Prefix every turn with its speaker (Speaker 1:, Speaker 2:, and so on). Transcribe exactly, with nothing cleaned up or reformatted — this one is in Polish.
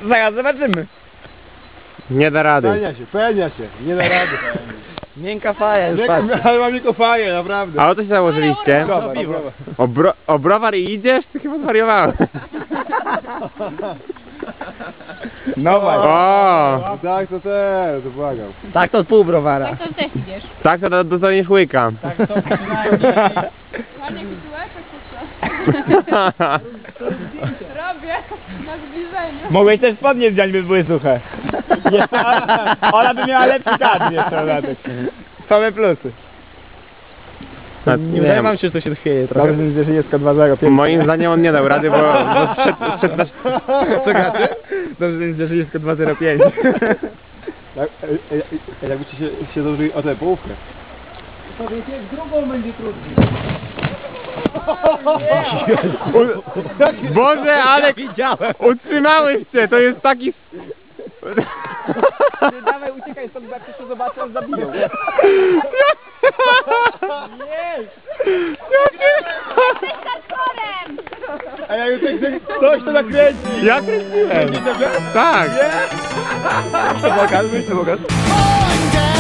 Speaker 1: zaraz zobaczymy.
Speaker 2: Nie da rady.
Speaker 3: Pełnia się, pełnia się, nie da rady.
Speaker 1: Miękka faja już,
Speaker 3: Miękko,
Speaker 1: patrz.
Speaker 3: ale mam miękko faję, naprawdę.
Speaker 2: A o co się założyliście?
Speaker 3: Browar, browar.
Speaker 2: O, bro, o browar i idziesz? Ty chyba zwariowałem.
Speaker 1: No właśnie.
Speaker 2: O!
Speaker 3: Tak, to też, to błagam.
Speaker 1: Tak to pół browara.
Speaker 4: Tak to też idziesz.
Speaker 2: Tak to dostaniesz łyka.
Speaker 1: Tak to przynajmniej.
Speaker 4: Ładnie kupiłeś, jak robię na zbliżeniu.
Speaker 1: Mogłeś też spodnie wziąć, by były suche. Jeszcze ona, ona by miała lepszy kadr jeszcze na tych. Same plusy.
Speaker 2: A,
Speaker 1: Nie
Speaker 2: nie
Speaker 1: wydaje
Speaker 2: wiem.
Speaker 1: wam się, że to się chwieje trochę.
Speaker 3: Dobrze, że jest dwa zero.
Speaker 2: Moim zdaniem on nie dał rady, bo, bo przed, przed nasz...
Speaker 1: Co gracie? Dobrze, że jest dwa zero pięć.
Speaker 3: Jak, e, e, jakbyście się, się zdążyli o tę połówkę.
Speaker 2: Boże, ale utrzymałeś się, to jest taki...
Speaker 1: Ty dawaj, uciekaj stąd, bo jak ktoś to zobaczy, on zabiją. Nie!
Speaker 4: Jesteś hardcorem!
Speaker 3: A ja już tak ktoś to nakręci.
Speaker 2: Ja kręciłem. Tak.
Speaker 3: Pokaż, wyjść to pokaż.